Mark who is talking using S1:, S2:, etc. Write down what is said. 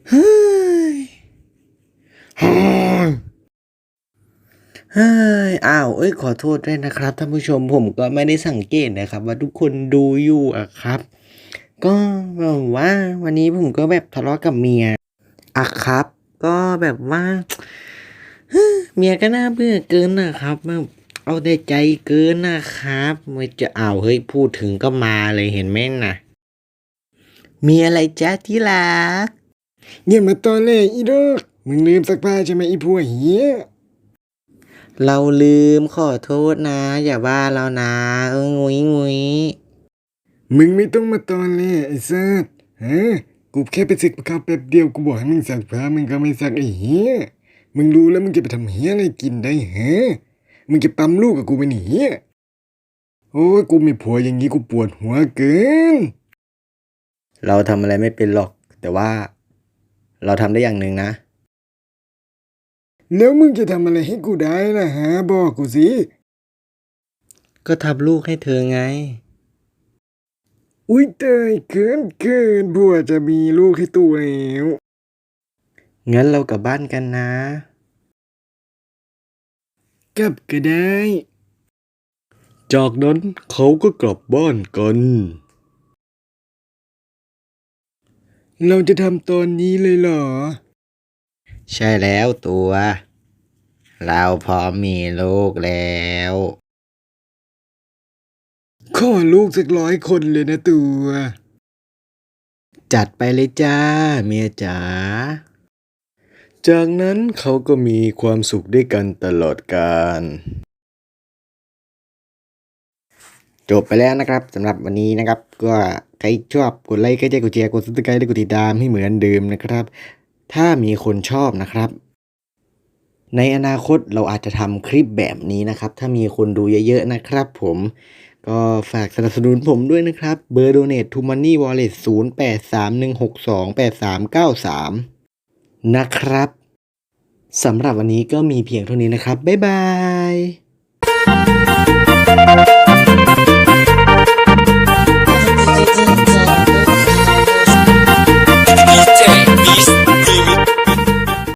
S1: เฮ้ยเฮ้ยเฮ้ยอ้าวขอโทษด้วยนะครับท่านผู้ชมผมก็ไม่ได้สังเกตนะครับว่าทุกคนดูอยู่อะครับ ก็แบบว่าวันนี้ผมก็แบบทะเลาะกับเมียอะครับ ก็แบบว่าเมียก็น่าเบื่อเกินนะครับแบบเอาแต่ใจเกินนะครับไม่จะเอาเฮ้ยพูดถึงก็มาเลยเห็นไหมน่ะมีอะไรจ๊ะที่รัก
S2: อย่ามาตอแหลอีดอกมึงลืมซักผ้าใช่ไหมอีพวกเหี้ย
S1: เราลืมขอโทษนะอย่าว่าเรานะงุ้ยงุ้ย
S2: มึงไม่ต้องมาตอแหลไอ้สัสฮะกูแค่ไปซักผ้าแป๊บเดียวกูบอกให้มึงซักผ้ามึงก็ไม่ซักไอ้เหี้ยมึงรู้แล้วมึงจะไปทำเหี้ยอะไรกินได้ฮะมึงจะปั๊มลูกกับกูไปหนีโอ้ยกูมีผัวอย่างนี้กูปวดหัวเกิน
S1: เราทำอะไรไม่เป็นหรอกแต่ว่าเราทำได้อย่างหนึ่งนะ
S2: แล้วมึงจะทำอะไรให้กูได้ล่ะฮะบอกกูสิ
S1: ก็ทำลูกให้เธอไง
S2: อุ้ยเตยเกินผัวจะมีลูกให้ตัวแล้ว
S1: งั้นเรากลับบ้านกันนะ
S2: กลับก็ได้
S3: จากนั้นเขาก็กลับบ้านกัน
S2: เราจะทำตอนนี้เลยเหรอ
S1: ใช่แล้วตัว เราพร้อมมีลูกแล้ว
S2: ขอลูกสัก100 คนเลยนะตัว
S1: จัดไปเลยจ้าเมียจ๋า
S3: จากนั้นเขาก็มีความสุขด้วยกันตลอดกาล
S1: จบไปแล้วนะครับสำหรับวันนี้นะครับ ก็ใครชอบกดไลค์กดแชร์กดแชร์กดซับสไครต์และกดติดตามให้เหมือนเดิมนะครับ ถ้ามีคนชอบนะครับ ในอนาคตเราอาจจะทำคลิปแบบนี้นะครับ ถ้ามีคนดูเยอะๆนะครับผมก็ฝากสนับสนุนผมด้วยนะครับเบอร์ Donate to Money Wallet 0831628393นะครับสำหรับวันนี้ก็มีเพียงเท่านี้นะครับบ๊ายบาย